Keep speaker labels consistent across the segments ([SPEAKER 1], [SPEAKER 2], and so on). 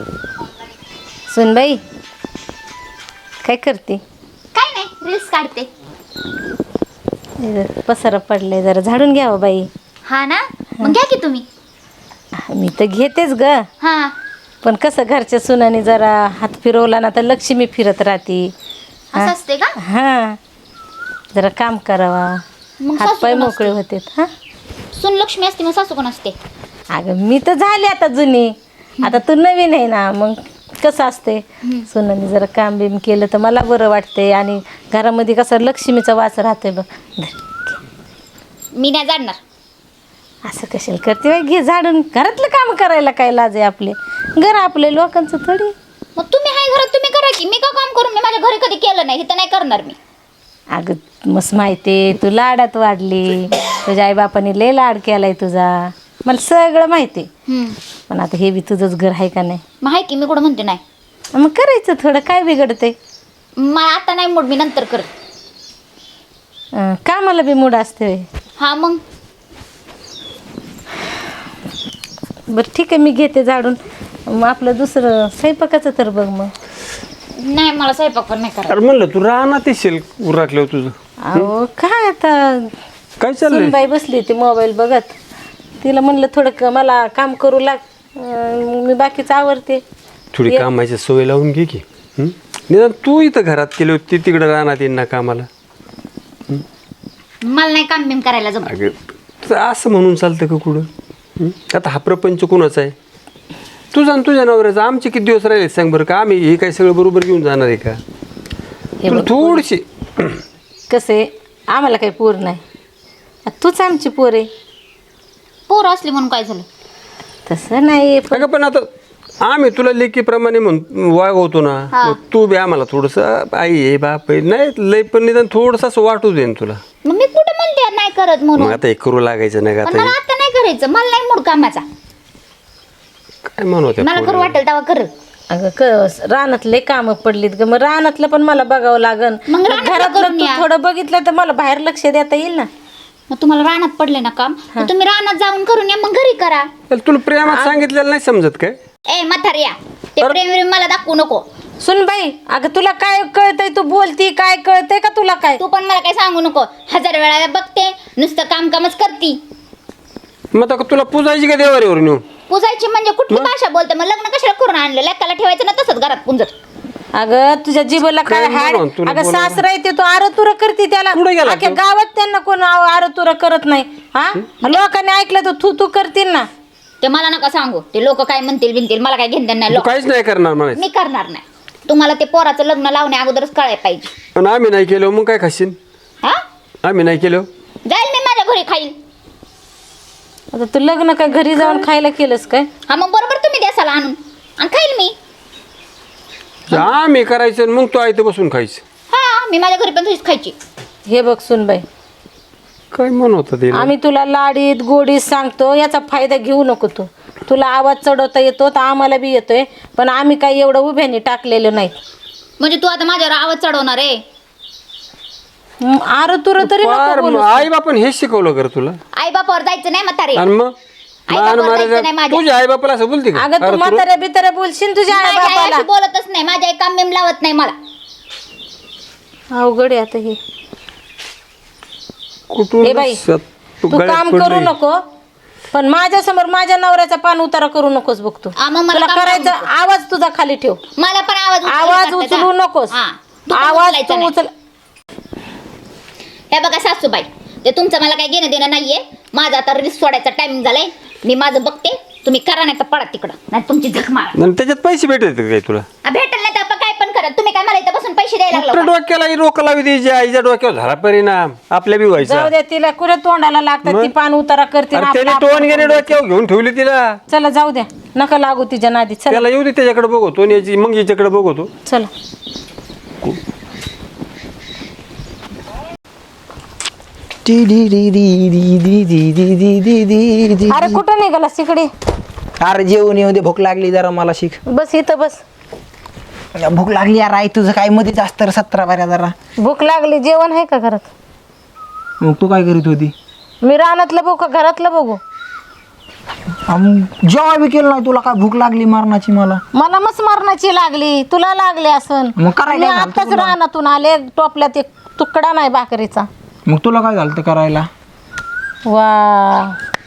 [SPEAKER 1] सुनबाई काय करते?
[SPEAKER 2] काय नाही, रील्स काढते.
[SPEAKER 1] पसारा पडलाय, जरा झाडून घ्यावं बाई.
[SPEAKER 2] हा ना, मग घ्या की तुम्ही.
[SPEAKER 1] मी तर घेतेच ग,
[SPEAKER 2] हा,
[SPEAKER 1] पण कसं घरच्या सुनाने जरा हात फिरवला ना तर लक्ष्मी फिरत राहते.
[SPEAKER 2] असं असते का?
[SPEAKER 1] हा, जरा काम करावा,
[SPEAKER 2] मग
[SPEAKER 1] हात
[SPEAKER 2] सासू
[SPEAKER 1] पाय
[SPEAKER 2] कोण
[SPEAKER 1] मोकळे
[SPEAKER 2] असते?
[SPEAKER 1] होते. हा
[SPEAKER 2] सून लक्ष्मी असते, मग सासू कोण असते?
[SPEAKER 1] अगं मी तर झाले आता जुनी, आता तू नवीन आहे ना. मग कसं असते, सुनाने जरा काम बिम केलं तर मला बरं वाटते आणि घरामध्ये कसं लक्ष्मीचा वास राहतोय बघ.
[SPEAKER 2] मी नाही जाणणार.
[SPEAKER 1] असं कशाला करते बाई, घे झाडून. घरातलं काम करायला काय लाज आहे? आपले घर आपले, लोकांचं थोडी.
[SPEAKER 2] मग तुम्ही हाय घरात, तुम्ही करा की. मी का काम करून? मी माझ्या घरी कधी केलं नाही, इथं नाही करणार मी.
[SPEAKER 1] अगं मस्त माहिती आहे, तू लाडात वाढली, तुझ्या आईबापाने लय लाड केलाय तुझा, मला सगळं माहिती आहे. पण आता हे बी तुझंच घर आहे का नाही?
[SPEAKER 2] मग हाय की, मी कुठं म्हणते नाही.
[SPEAKER 1] मग करायचं थोडं, काय बिघडते?
[SPEAKER 2] मला आता नाही मूड, मी नंतर कर.
[SPEAKER 1] कामाला बी मूड असते होय.
[SPEAKER 2] हा मग
[SPEAKER 1] बरं ठीक आहे, मी घेते झाडून. मग आपलं दुसरं स्वयंपाकाचं तर बघ मग.
[SPEAKER 2] नाही, मला स्वयंपाक पण नाही करायचा.
[SPEAKER 3] अरे म्हणलं तू राहणार येशील उरकल्यावर तुझं.
[SPEAKER 1] अहो काय आता,
[SPEAKER 3] काय चाललंय?
[SPEAKER 1] सुनबाई बसली होती मोबाईल बघत, तिला म्हणलं थोडं मला काम करू लाग, मी बाकीचं आवरते.
[SPEAKER 3] थोडी कामाची सवय लावून घे की. निदान तू इथं घरात केली होती, तिकडे राहणार येईन ना कामाला.
[SPEAKER 2] मला नाही काम बिम करायला जमत.
[SPEAKER 3] अगं तुझं असं म्हणून चालतं का कुठं? आता हा प्रपंच कोणाचा आहे? तुझा आणि तुझ्या नवऱ्याचा. आमचे किती दिवस राहिले सांग बरं का? आम्ही हे काय सगळं बरोबर घेऊन जाणार आहे का?
[SPEAKER 1] हे
[SPEAKER 3] तुला
[SPEAKER 1] बघ,
[SPEAKER 3] थोडीशी
[SPEAKER 1] कसं आहे, आम्हाला काही पोर नाही, तूच आमची पोर आहे.
[SPEAKER 2] पोर असली म्हणून काय झालं?
[SPEAKER 1] तसं नाही
[SPEAKER 3] अगं पण आता आम्ही तुला लेकीप्रमाणे वागवतो ना.
[SPEAKER 2] हा.
[SPEAKER 3] मग तू बी आम्हाला थोडंसं आई आहे बाप आहे नाही लय, पण निदान थोडंसं असं वाटू दे ना तुला.
[SPEAKER 2] मग मी कुठं म्हणते नाही करत म्हणून?
[SPEAKER 3] मग आता हे करू लागायचं नाही का
[SPEAKER 2] पण मला
[SPEAKER 3] आता?
[SPEAKER 2] आता नाही करायचं, मला नाही मूड कामाचा.
[SPEAKER 3] काय म्हणत
[SPEAKER 2] मला करू वाटेल तेव्हा कर.
[SPEAKER 1] अगं रानातले कामं पडलीत ग, मग रानातलं पण मला बघावं लागन.
[SPEAKER 2] मग रानातलं
[SPEAKER 1] घरातलं
[SPEAKER 2] करून
[SPEAKER 1] तू
[SPEAKER 2] या.
[SPEAKER 1] थोडं बघितलं तर मला बाहेर लक्ष देता येईल ना.
[SPEAKER 2] मग तुम्हाला रानात पडले ना काम, तर तुम्ही रानात जाऊन करून या, मग घरी करा.
[SPEAKER 3] तुला प्रेमात सांगितलेलं नाही समजत काय?
[SPEAKER 2] ए म्हाताऱ्या, ते प्रेम मला दाखवू नको.
[SPEAKER 1] सुन बाई, अगं तुला काय कळतंय? तू बोलती काय कळतंय का तुला? काय
[SPEAKER 2] तू पण मला काय सांगू नको. 1000 वेळा बघते, नुसतं कामच करती.
[SPEAKER 3] मग आता तुला पुजायची का देवारीवर नेऊन?
[SPEAKER 2] पुजायची म्हणजे कुठली भाषा बोलते? मग लग्न कशाला करून आणलं? लेकाला ठेवायचं ना तसंच घरात पुंजत.
[SPEAKER 1] अगं तुझ्या जिभेला काय
[SPEAKER 3] काय
[SPEAKER 1] हाड?
[SPEAKER 3] म्हणून तुला
[SPEAKER 1] अगं
[SPEAKER 3] बोलावं?
[SPEAKER 1] सासरा येते तो आरतुरा करते त्याला.
[SPEAKER 3] कुठे गेला
[SPEAKER 1] अख्ख्या
[SPEAKER 3] तो?
[SPEAKER 1] गावात त्यांना कोण आरतुरा करत नाही. हा, लोकांनी ऐकलं तर तू तू करतील ना.
[SPEAKER 2] ते मला नका सांगू. ते लोक काय म्हणतील बिनतील, मला काय घेणं नाही.
[SPEAKER 3] तू काहीच नाही करणार म्हणायचं.
[SPEAKER 2] मी करणार नाही. तुम्हाला ते पोराचं लग्न लावण्या अगोदरच कळायला पाहिजे.
[SPEAKER 3] पण आम्ही नाही केलं मग काय खाशील?
[SPEAKER 2] हा,
[SPEAKER 3] आम्ही नाही केलं
[SPEAKER 2] जाईल मी माझ्या घरी खाईल.
[SPEAKER 1] आता तू लग्न काय घरी जाऊन खायला केलंस काय?
[SPEAKER 2] हा, मग बरोबर तुम्ही द्यासाला आणून आणि खाईल मी.
[SPEAKER 3] आम्ही करायचं आणि मग तू आयतं बसून खायचं.
[SPEAKER 2] हा, मी माझ्या घरी पण तुझीच खायची.
[SPEAKER 1] हे बघ सुनबाई,
[SPEAKER 3] काय म्हण होतं ते?
[SPEAKER 1] आम्ही तुला लाडीत गोडीत सांगतो, याचा फायदा घेऊ नको तू. तुला आवाज चढवता येतो तर आम्हाला बी येतोय, पण आम्ही काही एवढं उभ्याने टाकलेलं नाही.
[SPEAKER 2] म्हणजे तू आता माझ्यावर आवाज चढवणार आहे?
[SPEAKER 1] आरतुर तरी नको बोलूस.
[SPEAKER 3] आई बापान हेच शिकवलं कर तुला?
[SPEAKER 2] आई बापावर जायचं नाही म्हातारे.
[SPEAKER 3] आणि मग
[SPEAKER 2] आई
[SPEAKER 3] मान
[SPEAKER 2] बापावर
[SPEAKER 3] मारायचं.
[SPEAKER 2] जायचं नाही माझ्या.
[SPEAKER 3] तुझ्या आई बापाला असं बोलते का?
[SPEAKER 1] अगं तू
[SPEAKER 3] अरे
[SPEAKER 1] म्हाताऱ्या बिताऱ्या बोलशील तुझ्या आई
[SPEAKER 2] माझी आई
[SPEAKER 1] बापाला.
[SPEAKER 2] अशी बोलतच नाही. माझ्या आई काम बिम लावत नाही मला.
[SPEAKER 1] अवघड आहे आता हे.
[SPEAKER 3] कुठून
[SPEAKER 1] ए बाई,
[SPEAKER 3] तू
[SPEAKER 1] तू
[SPEAKER 3] गळ्यात
[SPEAKER 1] काम
[SPEAKER 3] पडली.
[SPEAKER 1] करू नको, पण माझ्या समोर माझ्या नवऱ्याचा पान उतारा करू नकोस. बघतो
[SPEAKER 2] मग मला
[SPEAKER 1] तुला
[SPEAKER 2] काम
[SPEAKER 1] करायचं,
[SPEAKER 2] करू नको.
[SPEAKER 1] आवाज तुझा खाली ठेव.
[SPEAKER 2] मला पण
[SPEAKER 1] आवाज उचलू नकोस. आवाज तू उचल.
[SPEAKER 2] हे बघा सासूबाई, ते तुमचं मला काही घेणं देणं नाहीये. माझा आता रील्स सोडायचा टाइमिंग झालाय. मी माझं बघते, तुम्ही करा नाही तर पडा तिकडं, नाही तुमची झक मारा.
[SPEAKER 3] आणि त्याच्यात पैसे भेटत काय तुला?
[SPEAKER 2] भेटेल नाही तर आपण काय पण करा. तुम्ही काय मला इथं बसून पैसे द्यायला लागलो
[SPEAKER 3] आपल्या
[SPEAKER 2] का?
[SPEAKER 3] डोक्याला रोकं लावी द्यायची. आईच्या डोक्यावर झाला परिणाम आपल्या बी व्हायचा.
[SPEAKER 1] जाऊ दे, तिला कुठे तोंडाला लागतात, ती पान उतारा करते
[SPEAKER 3] अरे
[SPEAKER 1] ना
[SPEAKER 3] त्याने
[SPEAKER 1] आपलं
[SPEAKER 3] टोन गेले डोक्यावर घेऊन ठेवली तिला.
[SPEAKER 1] चला जाऊ द्या, नका लागू तिच्या नादी. चला
[SPEAKER 3] त्याला येऊ दे, त्याच्याकडे बघतो आणि याची मग याच्याकडे बघतो.
[SPEAKER 1] चला. अरे कुठं निघालास तिकडे?
[SPEAKER 4] अरे जेवण येऊ दे, भूक लागली जरा मला. शिक,
[SPEAKER 1] बस इथं बस.
[SPEAKER 4] भूक लागली यार. आई तुझं काय मध्ये जास्त 17 बाऱ्या जरा.
[SPEAKER 1] भूक लागली, जेवण आहे का घरात?
[SPEAKER 4] मग तू काय करीत होती?
[SPEAKER 1] मी रानातलं बघू का घरातलं बघू?
[SPEAKER 4] जेव्हा बी केलं नाही तुला काय भूक लागली मरणाची मला.
[SPEAKER 1] मला मस्त मरणाची लागली, तुला लागली असन.
[SPEAKER 4] मग करायला
[SPEAKER 1] मी
[SPEAKER 4] काय झालं
[SPEAKER 1] आताच
[SPEAKER 4] तुला?
[SPEAKER 1] रानातून आले, टोपल्यात एक तुकडा नाही भाकरीचा.
[SPEAKER 4] मग तुला काय झालं तर करायला?
[SPEAKER 1] वा,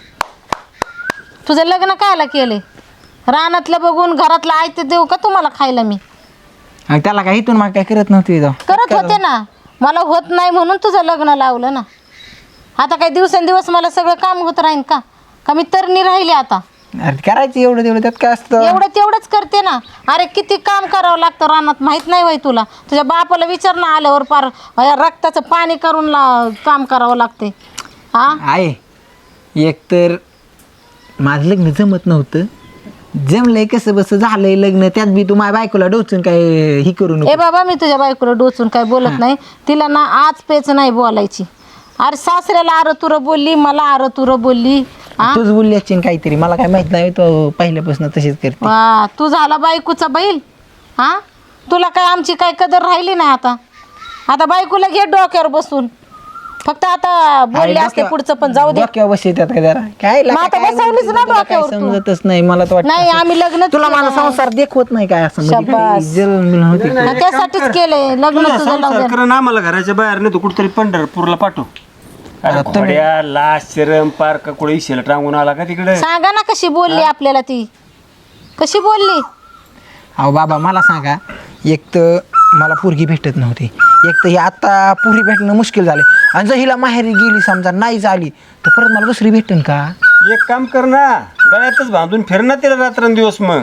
[SPEAKER 1] तुझं लग्न कायला केले? रानातलं बघून घरातलं आयते देऊ का तुम्हाला खायला मी?
[SPEAKER 4] आणि त्याला काय इथून मग काय करत नव्हती जाऊ.
[SPEAKER 1] करत होते ना, मला होत नाही म्हणून तुझं लग्न लावलं ना. आता काही दिवसेंदिवस मला सगळं काम होत राहीन का? का मी तरणी राहिले आता?
[SPEAKER 4] अरे करायचं एवढं तेवढं त्यात काय असतं.
[SPEAKER 1] एवढं तेवढंच करते ना. अरे किती काम करावं लागतं रानात, माहित नाही वय तुला? तुझ्या बापाला विचार ना, आल्यावर पार रक्ताचं पाणी करून काम करावं लागते. हा,
[SPEAKER 4] आहे एक तर माझं लग्न जमत नव्हतं, जमलंय कसं बस झालंय लग्न, त्यात बी तू माझ्या बायकोला डोचून काय ही करू नको.
[SPEAKER 1] ए बाबा, मी तुझ्या बायकोला डोचून काय बोलत नाही. तिला ना आज पेच नाही बोलायची. अरे सासऱ्याला आरं तुरं बोलली, मला आरं तुरं बोलली. हा,
[SPEAKER 4] तूच बोलली असशील काहीतरी, मला काय माहित नाही, तो पहिल्यापासून तशीच करते.
[SPEAKER 1] वा, तू झाला बायकोचा बैल. हा, तुला काय आमची काय कदर राहिली नाही आता. आता बायकोला घे डोक्यावर बसून. फक्त आता बोलले असते पुढचं, पण जाऊ दे.
[SPEAKER 4] डोक्यावर बसते त्यात काय जरा काय
[SPEAKER 1] मग आता
[SPEAKER 4] काय
[SPEAKER 1] बसवलीच ना
[SPEAKER 4] तुला काय
[SPEAKER 1] डोक्यावर तू.
[SPEAKER 4] समजतच नाही मला तर वाटतं
[SPEAKER 1] नाही,
[SPEAKER 4] असं.
[SPEAKER 1] आम्ही लग्न
[SPEAKER 4] तुला माझा संसार देखवत नाही काय असं म्हणजे
[SPEAKER 1] शाबास.
[SPEAKER 4] काही जळून मिळून होती का?
[SPEAKER 1] त्यासाठीच केलंय लग्न
[SPEAKER 3] तुझा
[SPEAKER 1] तुझं. लावून
[SPEAKER 3] संसार करून आम्हाला घराच्या बाहेर नाही, तू कुठतरी पंढरपूरला पाठव. अरे
[SPEAKER 4] आता
[SPEAKER 3] घोड्या लाश शरम पार का कुठे इशेला टांगून आला का तिकडे?
[SPEAKER 1] सांगा ना कशी बोलली आपल्याला ती, कशी बोलली.
[SPEAKER 4] अहो बाबा मला सांगा, एक तर मला पोरगी भेटत नव्हती, एक तर ही आता पोरी भेटणं मुश्किल झाले, आणि जर हिला माहेरी गेली समजा नाही झाली तर परत मला दुसरी भेटेन का?
[SPEAKER 3] एक काम कर ना, गळ्यातच बांधून फिर ना तिला रात्रंदिवस. मग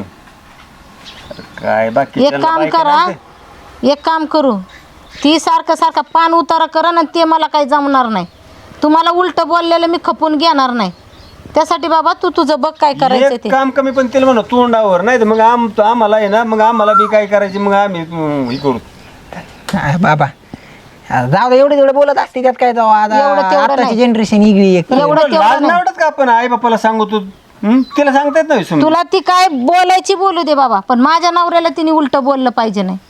[SPEAKER 3] अरे काय बाकी
[SPEAKER 1] एक काम करा, एक काम करू. ती सारखं सारखं पान उतारा करा ना, ते मला काही जमणार नाही. तुम्हाला उलट बोललेलं मी खपून घेणार नाही. त्यासाठी बाबा तू तुझं बघ काय करायचं
[SPEAKER 3] एक
[SPEAKER 1] ते.
[SPEAKER 3] काम कमी पण तिला म्हणा तोंडावर, नाही तर मग आम्हाला आहे ना, मग आम्हाला बी काय करायचे, मग आम्ही हे करू.
[SPEAKER 4] काय बाबा जाऊ दे, एवढे तेवढे बोलत असते त्यात काय जाऊ.
[SPEAKER 1] एवढं तेवढं
[SPEAKER 4] आताची
[SPEAKER 1] नाही.
[SPEAKER 4] जनरेशन इगळी एक.
[SPEAKER 1] एवढं
[SPEAKER 3] लाज
[SPEAKER 1] तेवढं
[SPEAKER 3] नाही
[SPEAKER 1] नाही.
[SPEAKER 3] वाटत का आपण आई बापाला सांगतो? तिला सांगता येत नाही समजून.
[SPEAKER 1] तुला ती काय बोलायची बोलू दे बाबा, पण माझ्या नवऱ्याला तिने उलट बोललं पाहिजे नाही.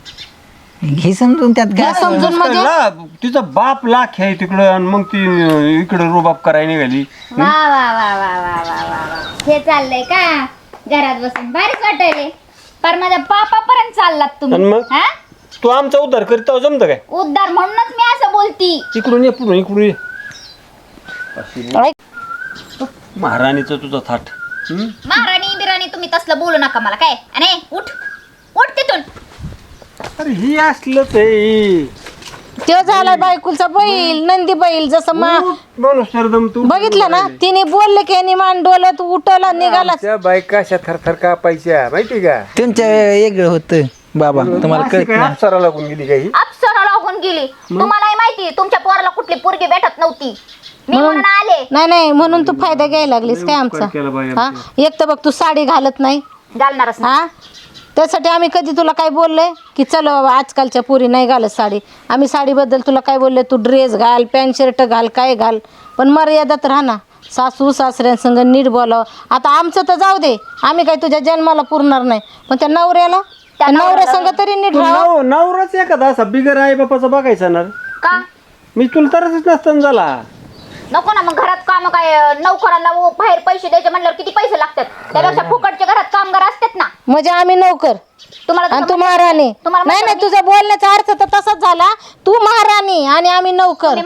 [SPEAKER 4] हे समजून त्यात
[SPEAKER 1] हे
[SPEAKER 4] काय
[SPEAKER 1] समजून म्हणजे
[SPEAKER 3] तिचा बाप लाख आहे तिकडं, आणि मग ती इकडं रुबाब करायला निघाली.
[SPEAKER 2] वा वा वा वा वा वा वा वा. हे चाललंय का घरात बसून? भारीच वाटायले. पर माझ्या पापापर्यंत चाललात
[SPEAKER 3] आणि
[SPEAKER 2] तुम्ही.
[SPEAKER 3] मग?
[SPEAKER 2] हा,
[SPEAKER 3] तू आमचा उद्धार करीत जमतं काय?
[SPEAKER 2] उद्धार म्हणूनच मी असं बोलती.
[SPEAKER 3] इकडून ये, पुढून इकडून ये.
[SPEAKER 1] ऐक,
[SPEAKER 3] महाराणीचं तुझा थाट.
[SPEAKER 2] महाराणी बिराणी तुम्ही तसलं बोलू नका मला. काय अरे उठ उठ तिथून.
[SPEAKER 3] अरे ही असलंच आहे.
[SPEAKER 1] तो झाला बायकुलचा बैल, नंदी बैल. जसं
[SPEAKER 3] माणूस सरदम तू
[SPEAKER 1] बघितलं ना, तिने बोलले की यांनी मान डोलत उठला निघाला.
[SPEAKER 3] त्या बायका अशा थरथर कापायच्या माहिती का?
[SPEAKER 4] तुमच्या वेगळं होतं बाबा, तुम्हाला
[SPEAKER 3] अशी
[SPEAKER 4] कळत
[SPEAKER 3] काय
[SPEAKER 4] नाही.
[SPEAKER 3] अप्सरा लागून गेली काही?
[SPEAKER 2] अप्सरा लागून गेली. तुम्हालाही माहिती तुमच्या पोराला कुठली पोरगी भेटत नव्हती. मी म्हणून आले.
[SPEAKER 1] नाही नाही, म्हणून तू फायदा घ्यायला लागलीस काय आमचा?
[SPEAKER 3] केलं बाई
[SPEAKER 1] हा, एक तर बघ तू साडी घालत नाही.
[SPEAKER 2] घालणारच ना.
[SPEAKER 1] हा, त्यासाठी आम्ही कधी तुला काय बोललोय की चल बाबा आजकालच्या पोरी नाही घालत साडी? आम्ही साडीबद्दल तुला काय बोलले? तू ड्रेस घाल, पॅन्ट शर्ट घाल, काय घाल, पण मर्यादात राहा ना. सासू सासऱ्यांसंग नीट बोलावं. आता आमचं तर जाऊ दे, आम्ही काय तुझ्या जन्माला पुरणार नाही, पण त्या नवऱ्याला, त्या नवऱ्यासंग तरी नीट राहा.
[SPEAKER 3] नवराच एखादा असा बिगर आई बापाचा बघायचा ना.
[SPEAKER 2] का
[SPEAKER 3] मी तुला तरच नसताना झाला.
[SPEAKER 2] नको ना मग? घरात काम काय नोकरांना बाहेर पैसे द्यायचे म्हणल्यावर किती पैसे लागतात? त्यापेक्षा फुकटच्या घरात कामगार असतात ना.
[SPEAKER 1] म्हणजे आम्ही नोकर
[SPEAKER 2] तुम्हाला
[SPEAKER 1] आणि तू महाराणी. नाही नाही, तुझा बोलण्याचा अर्थ तर तसाच झाला. तू महाराणी आणि आम्ही नोकर.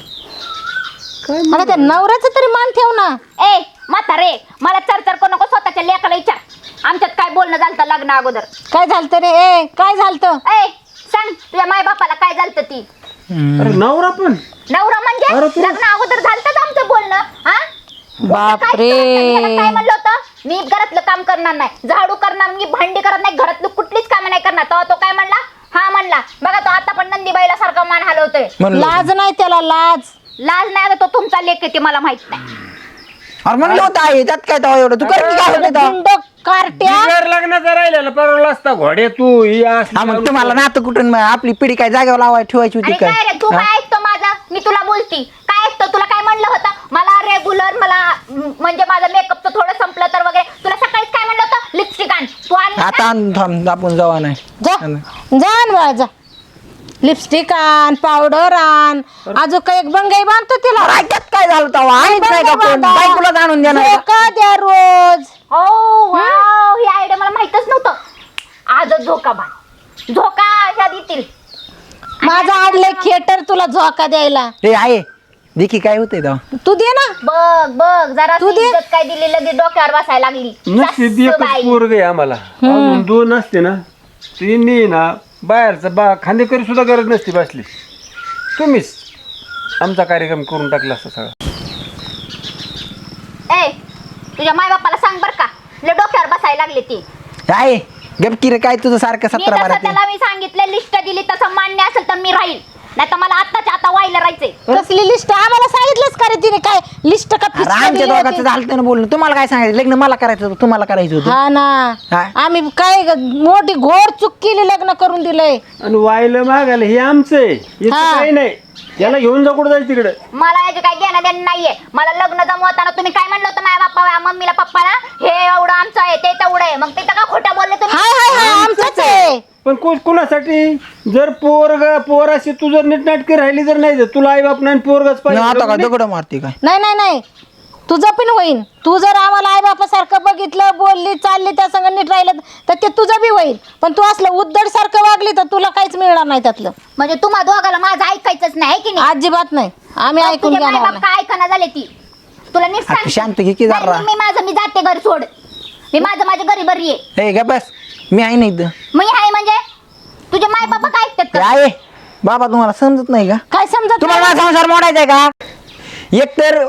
[SPEAKER 1] अरे त्या नवऱ्याचं तरी मान ठेव ना.
[SPEAKER 2] ए म्हातारे, मला चरचर करू नको. स्वतःच्या लेकाला विचार, आमच्यात काय बोलणं झालं लग्न अगोदर.
[SPEAKER 1] काय झालं रे? ए काय झालं?
[SPEAKER 2] ए सांग तुझ्या माय बापाला काय झालं ती.
[SPEAKER 3] अरे नवरा पण
[SPEAKER 2] नवरा म्हणजे लग्न अगोदर झालतच आमचं बोलणं. हा,
[SPEAKER 1] बापरे.
[SPEAKER 2] काय म्हणलं होतं? मी घरातलं काम करणार नाही, झाडू करणार, मी भांडी करत नाही, घरातलं कुठलीच कामं नाही करणार. तेव्हा तो काय म्हणला? हा म्हणला. बघा तो आता पण नंदीबाईला सारखा मान हलवतोय.
[SPEAKER 1] लाज नाही त्याला, लाज.
[SPEAKER 2] लाज नाही. आता तो तुमचा लेक आहे ते मला माहित नाही.
[SPEAKER 4] अरे म्हणलं होतं आहे त्यात काय तेव्हा एवढं तू करते काय होतं तेव्हा?
[SPEAKER 1] गुंड कार्ट्या.
[SPEAKER 3] बिगर लग्नाचा राहिलेला परवला असता. घोडे तू ही असली
[SPEAKER 4] हा मग तुम्हाला नातं कुठून आपली पिढी काय जागेवर लावायला ठेवायची होती
[SPEAKER 2] आणि
[SPEAKER 4] काय?
[SPEAKER 2] काय रे तू काय ऐकतो माझा? मी तुला बोलती काय ऐकतो? तुला काय म्हणलं होतं? मला रेग्युलर मला म्हणजे माझं मेकअपचं थोडं संपलं तर वगैरे तुला सकाळीच काय म्हणलं होतं? लिपस्टिक आण. तू आण.
[SPEAKER 4] आता थांब, आपण जावा नाही.
[SPEAKER 1] जा जा ना बाळा, जा. लिपस्टिक आण, पावडर आण, अजून काही एक बंगाई बांधतो तिला.
[SPEAKER 4] राज्यात काय झालं तेव्हा आम्हीच नाही का कोण
[SPEAKER 1] बांधा.
[SPEAKER 4] बायकोला जाणून देणार का?
[SPEAKER 1] झोका द्या रोज.
[SPEAKER 2] हो वाव, ही आयडिया मला माहितच नव्हतं. आजच झोका बांध, झोका ह्या देतील.
[SPEAKER 1] माझा आडले थिएटर तुला झोका द्यायला.
[SPEAKER 4] हे आहे देखी काय होतंय तेव्हा
[SPEAKER 1] तू दे ना.
[SPEAKER 2] बघ बघ जरा
[SPEAKER 1] तू दे.
[SPEAKER 2] इज्जत काय दिली लगेच डोक्यावर बसायला लागली.
[SPEAKER 3] नसते एकच
[SPEAKER 2] सासूबाई.
[SPEAKER 3] पोरग आहे आम्हाला, अजून 2 असते ना तिन्ही ना बाहेरचा खांदेकरी सुद्धा गरज नसती बसली. तुम्हीच आमचा कार्यक्रम करून टाकला असता सगळा.
[SPEAKER 2] ए तुझ्या माय बापाला सांग बर का, लय डोक्यावर बसायला लागले ती.
[SPEAKER 4] आहे गपकी रे काय तुझं सारखं
[SPEAKER 2] मी
[SPEAKER 4] 17
[SPEAKER 2] जसं
[SPEAKER 4] 12
[SPEAKER 2] त्याला मी सांगितलं लिस्ट दिली तसं मान्य असेल तर मी राहील, नाही तर मला आत्ताच्या आता व्हायला राहायचंय.
[SPEAKER 1] कसली लिस्ट आम्हाला सांगितलंच का रे तिने? काय लिस्ट का फिस्का
[SPEAKER 4] आमच्या
[SPEAKER 1] दिली
[SPEAKER 4] दोघांचं
[SPEAKER 1] होती?
[SPEAKER 4] झालं ना बोलणं. तुम्हाला काय सांगायचं लग्न मला करायचं होतं तुम्हाला करायचं होतं.
[SPEAKER 1] हा ना.
[SPEAKER 4] हा.
[SPEAKER 1] आम्ही काय मोठी घोर चूक केली, लग्न करून दिलंय.
[SPEAKER 3] आणि वायलं मागायला हे आमचं आहे, याचं
[SPEAKER 1] हा.
[SPEAKER 3] काही नाही. याला घेऊन जा कुठं जायचं तिकडे.
[SPEAKER 2] मला याचे काही घेणं देणं नाहीये. मला लग्न जमवताना तुम्ही काय म्हणलं होतं माझ्या बाप्पा मम्मीला पप्पाला, हे एवढं आमचं आहे ते तेवढं आहे, मग ते का खोटं बोलले तुम्ही?
[SPEAKER 1] हाय हाय हाय आमचंच आहे.
[SPEAKER 3] पण कोणासाठी? जर पोर अशी तू जर नीटनाटकी राहिली जर नाही, तुला आई बाप नाही पोरगच
[SPEAKER 4] न आता का
[SPEAKER 3] पाहिजे.
[SPEAKER 4] दगड मारते काय?
[SPEAKER 1] नाही नाही नाही, तुझं पण होईल. तू जर आम्हाला आई बापासारखं बघितलं, बोलली, चालली, त्या संग नीट राहिलं तर ते तुझं बी होईल. पण तू असलं उद्धड सारखं वागली तर तुला काहीच मिळणार नाही त्यातलं.
[SPEAKER 2] म्हणजे तुम्हा दोघाला माझं ऐकायचंच नाही है की नाही?
[SPEAKER 1] अजिबात नाही. आम्ही
[SPEAKER 2] मग
[SPEAKER 1] ऐकून
[SPEAKER 2] तुझे माय
[SPEAKER 1] घेणार
[SPEAKER 2] बाप काय ऐकणं झाले ती? तुला नीट
[SPEAKER 4] आता
[SPEAKER 2] सांग.
[SPEAKER 4] शांत घे की
[SPEAKER 2] नाही,
[SPEAKER 4] जरा.
[SPEAKER 2] मग मी माझं मी जाते घर सोड. मी माझं माझ्या घरी बरी आहे.
[SPEAKER 4] हे ग बस मी आहे नाही इथं.
[SPEAKER 2] मी आहे म्हणजे तुझे माय बाबा काय ऐकतात
[SPEAKER 4] हे
[SPEAKER 2] का?
[SPEAKER 4] आहे बाबा तुम्हाला समजत नाही का?
[SPEAKER 1] काय समजत
[SPEAKER 4] तुम्हाला
[SPEAKER 1] नाही?
[SPEAKER 4] माझा संसार मोडायचा आहे का? एकतर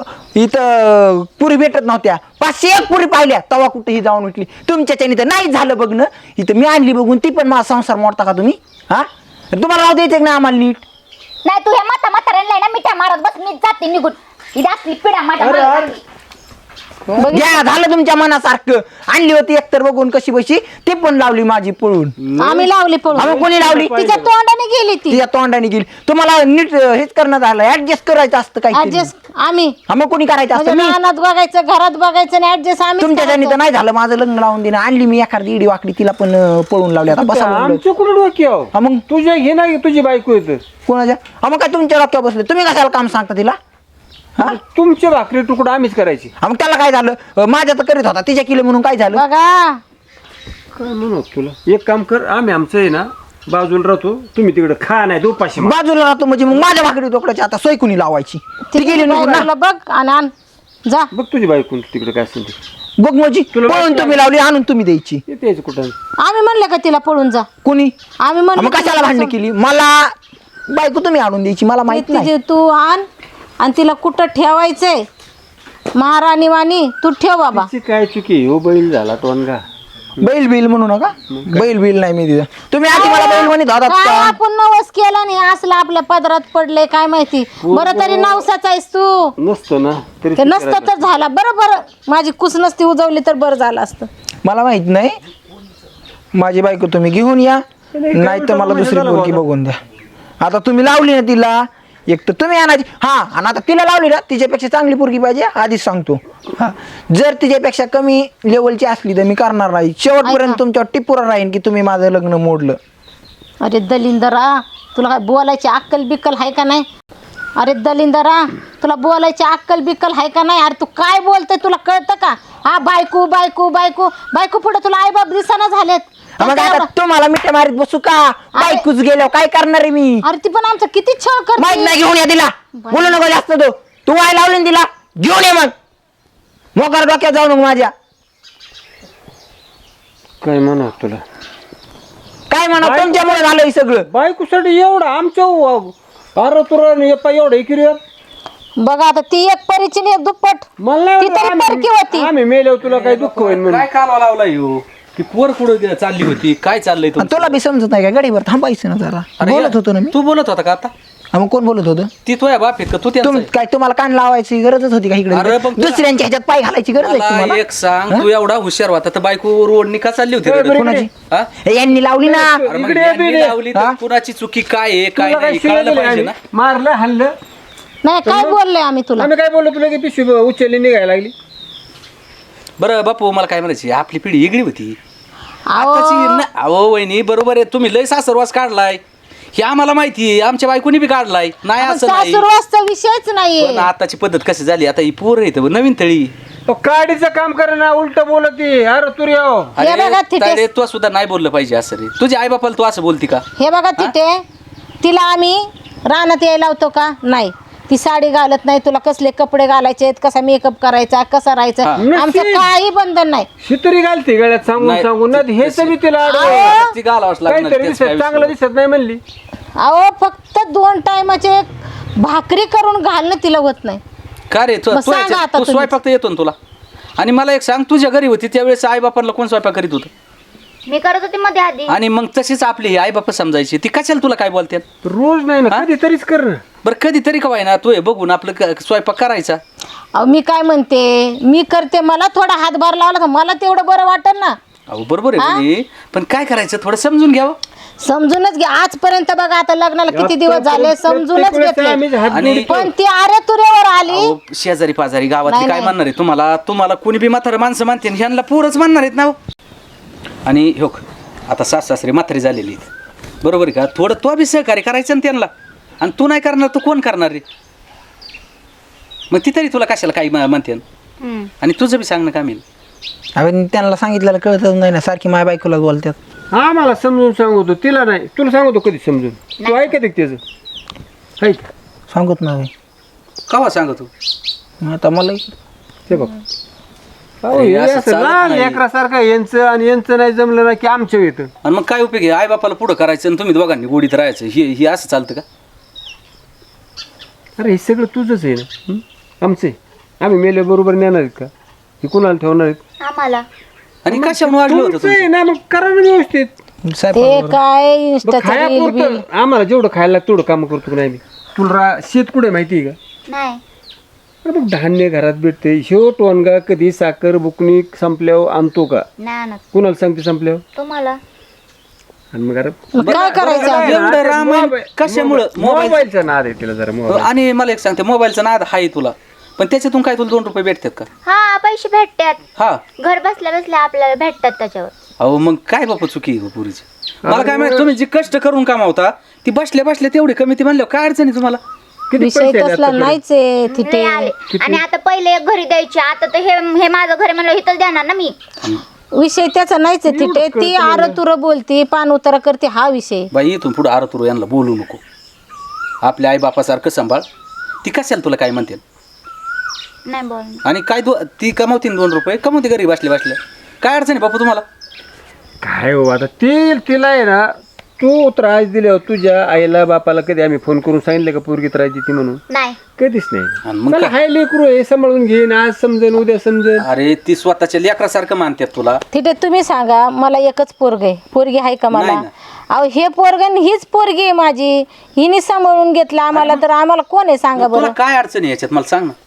[SPEAKER 4] इथं पुरी भेटत नव्हत्या, 501 पुरी पाहिल्या तवा कुठेही जाऊन उठली. तुमच्याच्याने तर नाही झालं बघणं, इथं मी आणली बघून ती पण माझा संसार मोडता का तुम्ही? हा तुम्हाला राहू द्यायचं ना आम्हाला नीट?
[SPEAKER 2] नाही तू ह्या म्हाताऱ्यांना ना मिठ्या मारत बस, मी जाते निघून. ही असली पिढा माझ्या
[SPEAKER 3] अरे,
[SPEAKER 2] मागे
[SPEAKER 3] अरे.
[SPEAKER 2] लागली.
[SPEAKER 4] घ्या झालं तुमच्या मनासारखं. आणली होती एकतर बघून कशी बशी, ती पण लावली माझी पळून.
[SPEAKER 1] आम्ही लावली पळून.
[SPEAKER 4] आम्ही कोणी लावली?
[SPEAKER 1] तिच्या तोंडाने गेली ती.
[SPEAKER 4] तिच्या तोंडाने गेली. तुम्हाला नीट हेच करणं झालं, ऍडजस्ट करायचं असतं काही.
[SPEAKER 1] ऍडजस्ट आम्ही
[SPEAKER 4] मग कोणी करायचं
[SPEAKER 1] म्हणजे
[SPEAKER 4] असतं? मी
[SPEAKER 1] रानात बघायचं, घरात बघायचं आणि ऍडजस्ट आम्ही
[SPEAKER 4] तुमच्याच्याने तर नाही झालं. माझं लग्न लावून दिलं. आणली मी एखादी इडी वाकडी, तिला पण पळून लावली. आता बसा बोललो.
[SPEAKER 3] आमच्या कुठं डोक्यावर?
[SPEAKER 4] हा मग
[SPEAKER 3] तुझ्या घे ना तुझी बायको येतं.
[SPEAKER 4] कोणाच्या? हा मग काय तुमच्या डोक्यावर बसले? तुम्ही कशाला काम सांगता तिला? हा
[SPEAKER 3] तुमचे भाकरी तुकडं आम्हीच करायची.
[SPEAKER 4] हा, मग त्याला काय झालं? माझ्या तर करीत होता, तिच्या केलं म्हणून काय झालं?
[SPEAKER 1] बघा.
[SPEAKER 3] काय म्हणू तुला, एक काम कर, आम्ही आमचं आहे ना बाजूला राहतो, तुम्ही तिकडे खा नाही उपाशी मार.
[SPEAKER 4] बाजूला राहतो म्हणजे मग माझ्या भाकरी तोकड्याची आता सोय कुणी लावायची? ती गेली निघून ना.
[SPEAKER 1] तुला बघ आणि आण जा.
[SPEAKER 3] बग तुझी बायको तिकडे काय असेल ते
[SPEAKER 4] बघ म्हणजे
[SPEAKER 3] तुला
[SPEAKER 4] पळून
[SPEAKER 3] वाटलं?
[SPEAKER 4] तुम्ही लावली, आणून तुम्ही द्यायची.
[SPEAKER 3] येते यायचं कुठं.
[SPEAKER 1] आम्ही म्हणलं का तिला पळून जा?
[SPEAKER 4] कोणी?
[SPEAKER 1] आम्ही
[SPEAKER 4] हा,
[SPEAKER 1] म्हणलं
[SPEAKER 4] मग कशाला भांडण केली? मला बायको तुम्ही आणून द्यायची, मला माहित नाही.
[SPEAKER 1] तिचे तू आण आणि तिला कुठं ठेवायचंय महाराणी वाणी तू ठेव बाबा.
[SPEAKER 3] तिची काय चुकी हो, बैल झाला टोनगा.
[SPEAKER 4] बैल बिल म्हणू नका. बैल बिल नाही मी दिलं. तुम्ही आधी मला बैल म्हणत होतात
[SPEAKER 1] काय
[SPEAKER 4] का?
[SPEAKER 1] आपण नवस केला नाही, असलं आपल्या पदरात पडले काय माहिती. बरं तरी नवसाच आहेस तू.
[SPEAKER 3] नसतं ना तरी
[SPEAKER 1] ते नसतं तर झाला. बरं माझी कुस नसती उजवली तर बरं झालं असतं.
[SPEAKER 4] मला माहित नाही. माझी बायको तुम्ही घेऊन या, नाही तर मला दुसरी पोरगी बघून द्या. आता तुम्ही लावली ना तिला, एक तर तुम्ही आणायची. हा, आणि आता तिला लावली ना, तिच्यापेक्षा चांगली पोरगी पाहिजे आधीच सांगतो. हा, जर तिच्यापेक्षा कमी लेवलची असली तर मी करणार नाही. शेवटपर्यंत तुमच्यावर टिपूर राहीन की तुम्ही माझं लग्न मोडलं.
[SPEAKER 1] अरे दलिंदरा, तुला काय बोलायची अक्कल बिक्कल आहे का नाही? अरे दलिंदरा, तुला बोलायची अक्कल बिक्कल आहे का नाही? अरे तू काय बोलते तुला कळतं का? हा बायको बायको बायको बायको पुढे तुला आई बाप दिसाना झालेत.
[SPEAKER 4] मग आता तुम्हाला मिठ्या मारीत बसू का? बायकोच गेल्यावर काय करणार आहे मी?
[SPEAKER 1] अरे ती पण आमचं किती छळ
[SPEAKER 4] माहित
[SPEAKER 1] करते.
[SPEAKER 4] नाही, घेऊन या तिला. बोलू नको जास्त. तू वाय लावली ना तिला, घेऊन ये मग. मोकार डोक्यात जाऊ नको माझ्या.
[SPEAKER 3] काय म्हणा तुला,
[SPEAKER 4] काय म्हणा, तुमच्यामुळे झालं हे सगळं.
[SPEAKER 3] बायकोसाठी एवढं आमच्या अरे तुला एवढं इकडे
[SPEAKER 1] बघा आता ती एक परीची आणि एक दुप्पट.
[SPEAKER 3] मला
[SPEAKER 1] ती तरी परकी होती.
[SPEAKER 3] आम्ही मेल्यावर तुला काही दुःख होईल म्हणून.
[SPEAKER 5] काय कालवा लावला ह्यो? ती पोर कुठं चालली होती? काय चाललंय
[SPEAKER 4] आणि तुला बी समजत नाही का? गाडीवर थांबायचं ना जरा.
[SPEAKER 5] अरे
[SPEAKER 4] बोलत होतो ना मी.
[SPEAKER 5] तू बोलत होता का आता?
[SPEAKER 4] मग कोण बोलत होतं?
[SPEAKER 5] ती तुझ्या बाप आहेत का? तू त्यांचा आहे?
[SPEAKER 4] काय तुम्हाला कान लावायची गरजच होती का
[SPEAKER 5] अरे
[SPEAKER 4] इकडे?
[SPEAKER 5] पण तुला-
[SPEAKER 4] दुसऱ्यांच्या ह्याच्यात पाय घालायची गरज आहे
[SPEAKER 5] मला
[SPEAKER 4] तुम्हाला?
[SPEAKER 5] एक सांग, तू एवढा हुशार होता तर बायको रोडनी का चालली होती रडत?
[SPEAKER 4] कोणाची?
[SPEAKER 5] हा?
[SPEAKER 4] हे यांनी लावली ना.
[SPEAKER 5] अरे मग
[SPEAKER 3] इकडे
[SPEAKER 5] यांनी
[SPEAKER 3] इकडे.
[SPEAKER 5] लावली तर कुणाची चुकी काय आहे काय
[SPEAKER 3] तुला काय
[SPEAKER 5] नाही
[SPEAKER 3] शिव्या
[SPEAKER 5] कळलं
[SPEAKER 3] दिल्या
[SPEAKER 5] पाहिजे
[SPEAKER 3] आम्ही?
[SPEAKER 5] ना.
[SPEAKER 3] मारलं हाणलं.
[SPEAKER 1] नाही काय बोलले आम्ही तुला?
[SPEAKER 3] आम्ही काय बोललो तुला की पिशवी उचलली निघायला लागली.
[SPEAKER 5] बरं बापू, मला काय म्हणायची, आपली पिढी वेगळी होती.
[SPEAKER 1] अहो,
[SPEAKER 5] आताची अहो वहिनी बरोबर आहे, तुम्ही लय सासरवास काढलाय. हे आम्हाला माहिती आहे, आमच्या बायकोनी बी काढलाय नाही
[SPEAKER 1] पण
[SPEAKER 5] असं नाही.
[SPEAKER 1] सासू रोजचा विषयच नाहीये.
[SPEAKER 5] पण आताची पद्धत कशी झाली, आता ही पोर येतं नवीन तळी.
[SPEAKER 3] काडीचं काम करे ना उलट बोलती. अरे तू रे हो.
[SPEAKER 1] हे बघा तिथे-
[SPEAKER 5] अरे तू सुद्धा नाही बोललं पाहिजे असं रे. तुझ्या आई बापाला तू असं बोलती का?
[SPEAKER 1] हे बघा तिथे तिला आम्ही रानात यायला लावतो का? नाही. ती साडी घालत नाही. तुला कसले कपडे घालायचे, कसा मेकअप करायचा, कसा राहायचा, आमचं काही बंधन नाही.
[SPEAKER 3] शितरी घालते गळ्यात सांगून
[SPEAKER 5] नाही.
[SPEAKER 3] सांगून ना हे सगळी तिला
[SPEAKER 1] अहो.
[SPEAKER 5] ती घालावंच लागणार,
[SPEAKER 3] काहीतरी
[SPEAKER 5] त्याचं काय
[SPEAKER 3] दिसत चांगलं
[SPEAKER 5] विषय
[SPEAKER 3] दिसत नाही म्हणली.
[SPEAKER 1] अहो फक्त 2 टायमाचे भाकरी करून घालणं तिला होत नाही.
[SPEAKER 5] नाही. का रे
[SPEAKER 1] मग सांगा आता
[SPEAKER 5] तू
[SPEAKER 1] तुम्हीच.
[SPEAKER 5] स्वयंपाक तर येतो ना तुला. आणि मला एक सांग, तुझ्या घरी होती त्यावेळेस आई बापाला कोण स्वयंपाक करीत होतं?
[SPEAKER 2] मी करत होते मध्ये आधी.
[SPEAKER 5] आणि मग तशीच आपली आई बाप समजायची. ती कशाला तुला काय बोलते?
[SPEAKER 3] रोज नाही ना कधीतरीच कर ना.
[SPEAKER 5] बरं कधीतरी का ना तू हे बघून आपलं स्वयंपाक करायचा.
[SPEAKER 1] अहो मी काय म्हणते, मी करते, मला थोडा हातभार लावला तर मला तेवढं बरं वाटेल ना.
[SPEAKER 5] अहो बरोबर आहे मुली, पण काय करायचं थोडं समजून घ्यावं.
[SPEAKER 1] समजूनच घे. आजपर्यंत बघा आता लग्नाला किती दिवस झाले, समजूनच घेतले.
[SPEAKER 5] आणि
[SPEAKER 1] पण ती अरे तुरेवर आली.
[SPEAKER 5] अहो, शेजारी पाजारी गावातली
[SPEAKER 1] नाही,
[SPEAKER 5] काय
[SPEAKER 1] नाही.
[SPEAKER 5] म्हणणार आहे तुम्हाला कोणी बी म्हातारं माणसं मानते आणि ह्यांना पोरच म्हणणार आहेत ना हो. आणि हो आता सासरे म्हातारी झालेली आहेत. बरोबर आहे का? थोडं तो बी सहकार्य करायचं ना त्यांना. आणि तू नाही करणार तर कोण करणार रे? मग ती तरी तुला कशाला काही म्हणते. आणि तुझं बी सांगणं काम येईल.
[SPEAKER 4] अरे त्यांना सांगितलेलं कळतच नाही ना, सारखी माझ्या बायकोला बोलतात.
[SPEAKER 3] हा मला समजून सांगतो, तिला नाही. तुला सांगतो कधी समजून. तू ऐकत त्याचं ऐक.
[SPEAKER 4] सांगत नाही
[SPEAKER 5] कवा सांग तू?
[SPEAKER 4] आता मला
[SPEAKER 3] ते बघ अहो,
[SPEAKER 5] अरे,
[SPEAKER 3] हे
[SPEAKER 5] असं
[SPEAKER 3] असं
[SPEAKER 5] चालत
[SPEAKER 3] लहान
[SPEAKER 5] नाही.
[SPEAKER 3] लेकरासारखं यांचं आणि यांचं नाही जमलं ना की आमच्या येतं.
[SPEAKER 5] आणि मग काय उपयोग आहे? आई बापाला पुढं करायचं आणि तुम्ही दोघांनी गोडीत राहायचं. हे असं चालतं का?
[SPEAKER 3] अरे हे सगळं तुझंच आहे ना. हं? आमचं आहे. आम्ही मेले बरोबर नेणार आहेत का? हे कुणाला ठेवणार आहेत?
[SPEAKER 2] आम्हाला
[SPEAKER 5] आणि कशावर वाढलं होतं
[SPEAKER 3] तुमचं आहे
[SPEAKER 5] तुमचं?
[SPEAKER 3] ना, मग करा ना व्यवस्थित.
[SPEAKER 1] ते काय
[SPEAKER 3] मग
[SPEAKER 1] इंस्टाचं
[SPEAKER 3] खाया
[SPEAKER 1] रील बिल.
[SPEAKER 3] पुरतं आम्हाला जेवढं खायला लागतं तेवढं काम करतो की नाही मी. तुला शेत कुठे माहिती आहे का?
[SPEAKER 2] नाही.
[SPEAKER 3] अरे मग धान्य घरात भेटते. शेव टोनगा कधी साखर बुकणी संपल्यावर आणतो का?
[SPEAKER 2] नाही आणत.
[SPEAKER 3] कुणाला सांगते संपल्यावर?
[SPEAKER 2] तुम्हाला.
[SPEAKER 3] आणि मग अरे
[SPEAKER 1] मग काय करायचं आता?
[SPEAKER 5] एवढं रामायण कशामुळं?
[SPEAKER 3] मोबाईलचा नाद आहे तिला जरा मोबाईल.
[SPEAKER 5] आणि मला एक सांगते, मोबाईलचा नाद आहे तुला, पण त्याच्यातून काय तुला 2 रुपये भेटतात का?
[SPEAKER 2] हा पैसे भेटतात.
[SPEAKER 5] हा.
[SPEAKER 2] घर बसल्या बसल्या आपल्याला भेटतात त्याच्यावर.
[SPEAKER 5] अहो मग काय बापा चुकी आहे पुरीची. मला काय माहिती, तुम्ही जी कष्ट करून कामावता ती बसल्या बसल्या तेवढी कमी ती म्हणल्यावर काय अडचण आहे तुम्हाला?
[SPEAKER 3] किती
[SPEAKER 1] विषय
[SPEAKER 3] पैसे आले
[SPEAKER 1] तसला
[SPEAKER 3] आतापर्यंत?
[SPEAKER 1] नाहीच आहे तिथे.
[SPEAKER 2] लय आले. आणि आता पहिले एक घरी द्यायचे, आता तर हे माझं घर आहे म्हणलं इथंच देणार ना मी.
[SPEAKER 1] विषय त्याचा नाहीच आहे तिथे. ती आर तुर बोलती, पान उतारा करते, हा विषय.
[SPEAKER 5] बाई इथून पुढे आरतुरू यांना बोलू नको. आपल्या आई बापासारखं सांभाळ. ती कशाला तुला काय म्हणते?
[SPEAKER 2] नाही बोल.
[SPEAKER 5] आणि काय ती कमावते 2 रुपये कमावते घरी बसल्या बसल्या. काय अडचण आहे बापा तुम्हाला?
[SPEAKER 3] काय हो आता तिला आहे ना, तू त्रास दिल्यावर तुझ्या आईला बापाला कधी आम्ही फोन करून सांगितलं का पोरगी त्रास देते म्हणून?
[SPEAKER 2] नाही.
[SPEAKER 3] कधीच नाही.
[SPEAKER 5] आणि मग
[SPEAKER 3] चला,
[SPEAKER 5] काय?
[SPEAKER 3] हाय लेकरू हे सांभाळून घेईन, आज समजेन उद्या समजेन.
[SPEAKER 5] अरे ती स्वतःच्या लेकरासारखं मानतात तुला.
[SPEAKER 1] तिथे तुम्ही सांगा, मला एकच पोरग आहे. पोरगी आहे का मला?
[SPEAKER 5] नाही
[SPEAKER 1] अहो हे पोरग आणि हीच पोरगी आहे माझी. हिने सांभाळून घेतलं आम्हाला, तर आम्हाला कोण आहे सांगा
[SPEAKER 5] मग तुला
[SPEAKER 1] बरं?
[SPEAKER 5] काय अडचण आहे याच्यात मला सांग ना.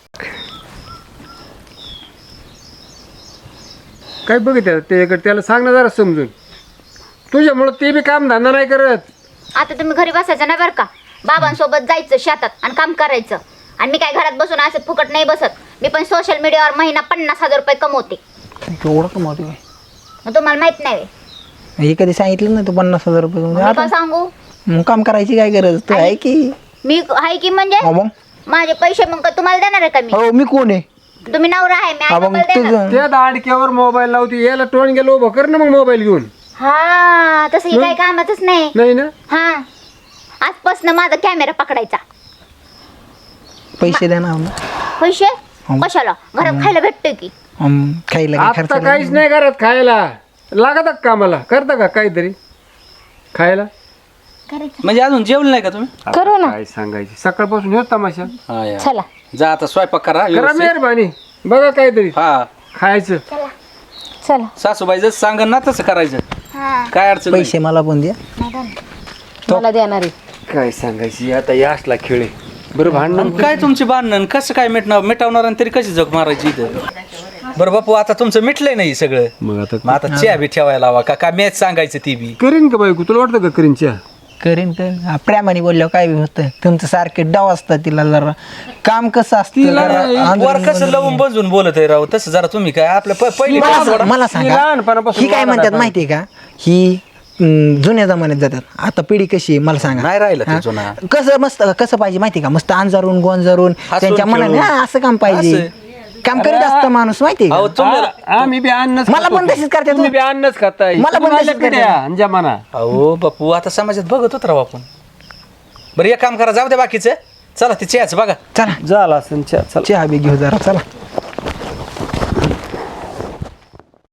[SPEAKER 3] काय बघितलं त्याच्याकडे, त्याला सांग ना जरा समजून. तुझ्यामुळं ते बी काम धंदा नाही करत.
[SPEAKER 2] आता तुम्ही घरी बसायचं नाही बरं का. बाबांसोबत जायचं शेतात आणि काम करायचं. आणि मी काय घरात बसून असं फुकट नाही बसत. मी पण सोशल मीडियावर महिना 50,000 रुपये कमवते.
[SPEAKER 4] एवढं कमावतो काय?
[SPEAKER 2] मग तुम्हाला माहित नाही व्हय?
[SPEAKER 4] हे कधी सांगितलं ना, तू 50,000 रुपये कमवतो.
[SPEAKER 2] मी काय सांगू.
[SPEAKER 4] मग काम करायची काय गरज? तू आहे की?
[SPEAKER 2] मी आहे की म्हणजे
[SPEAKER 4] हा मग
[SPEAKER 2] माझे पैसे मग काय तुम्हाला देणार आहे का मी?
[SPEAKER 4] हो, मी कोण आहे?
[SPEAKER 2] तुम्ही नवरा आहे, मी
[SPEAKER 4] हा
[SPEAKER 2] आई
[SPEAKER 4] मग
[SPEAKER 2] बाबाला देणार.
[SPEAKER 4] तुझं
[SPEAKER 3] त्या दाडक्यावर मोबाईल लावते. याला टोन गेलो उभं कर ना मग मोबाईल घेऊन.
[SPEAKER 2] हा तसं ही काही कामातच नाही.
[SPEAKER 3] नाही ना.
[SPEAKER 2] हा आजपासून माझा कॅमेरा पकडायचा.
[SPEAKER 4] पैसे द्या ना.
[SPEAKER 2] पैसे कशाला? घरात खायला भेटतोय की.
[SPEAKER 4] खायला काय खर्च
[SPEAKER 3] आता काहीच नाही करत खायला. लागत कामाला करता का काहीतरी खायला?
[SPEAKER 2] करायचं.
[SPEAKER 5] म्हणजे अजून जेवलं नाही का तुम्ही?
[SPEAKER 1] करू ना.
[SPEAKER 3] काय सांगायची, सकाळपासून हेच तमाशा.
[SPEAKER 5] हा या.
[SPEAKER 1] चला
[SPEAKER 5] जा आता स्वयंपाक करा
[SPEAKER 3] करा
[SPEAKER 5] व्यवस्थित.
[SPEAKER 3] मेहरबानी. बघा काहीतरी
[SPEAKER 5] हा
[SPEAKER 3] खायचं.
[SPEAKER 1] चला.
[SPEAKER 5] सासूबाई जसं सांगन ना तसं करायचं.
[SPEAKER 2] हा
[SPEAKER 5] काय अडचण नाही.
[SPEAKER 4] पैसे मला पण द्या.
[SPEAKER 1] मला देणार आहे.
[SPEAKER 3] काय सांगायची आता, या असला खेळ आहे. बरं भांडण
[SPEAKER 5] आणि काय तुमचे भांडण कसं काय मिटवणार आणि तरी कशी जग मारायची इथं? बरं बापू आता तुमचं मिटलंय नाही सगळं.
[SPEAKER 3] मग आता
[SPEAKER 5] मग आता चहा बी ठेवायला हवा का मॅच सांगायचं ती बी.
[SPEAKER 3] करीन का बायको? तुला वाटतं का करीन चहा?
[SPEAKER 4] करीन करीन. प्रेमाने बोलल्यावर काय बी होतं. तुमचं सारखे डाव असतात. तिला जरा काम कसं असतं जरा
[SPEAKER 5] वर कसं लवून बंजून बोलत आहे राव तसं जरा तुम्ही काय आपल्या पहिली
[SPEAKER 4] मला
[SPEAKER 5] सोडा.
[SPEAKER 4] मला सांगा,
[SPEAKER 3] लहानपणापासून
[SPEAKER 4] ही काय
[SPEAKER 3] वाढत
[SPEAKER 4] म्हणतात
[SPEAKER 3] आहे.
[SPEAKER 4] माहितीये का? ही जुन्या जमान्यात जातात. आता पिढी कशी आहे मला सांगा.
[SPEAKER 5] नाही राहिलं ते
[SPEAKER 4] हा?
[SPEAKER 5] जुना.
[SPEAKER 4] कसं पाहिजे माहिती का, मस्त अंजारून गोंजारून
[SPEAKER 5] हसून
[SPEAKER 4] त्यांच्या मनाने
[SPEAKER 5] खेळून.
[SPEAKER 4] हा, असं काम पाहिजे. काम करीत असतं माणूस माहिती
[SPEAKER 5] अहो
[SPEAKER 4] का.
[SPEAKER 3] आम्ही बी अन्नच
[SPEAKER 4] मला
[SPEAKER 3] खातो.
[SPEAKER 4] पण तशीच करतात.
[SPEAKER 3] तुम्ही बी अन्नच खाताय.
[SPEAKER 4] मला पण
[SPEAKER 3] तुम्हाला
[SPEAKER 4] तशीच
[SPEAKER 3] किती
[SPEAKER 4] करतात.
[SPEAKER 3] आहे जमाना.
[SPEAKER 5] अहो बापू आता समाजात बघत होत राहू आपण. बरं एक काम करा, जाऊ द्या बाकीचं. चला ते चहाच बघा.
[SPEAKER 4] चला
[SPEAKER 3] झाला असं चला
[SPEAKER 4] चहा बी घेऊ जरा चला.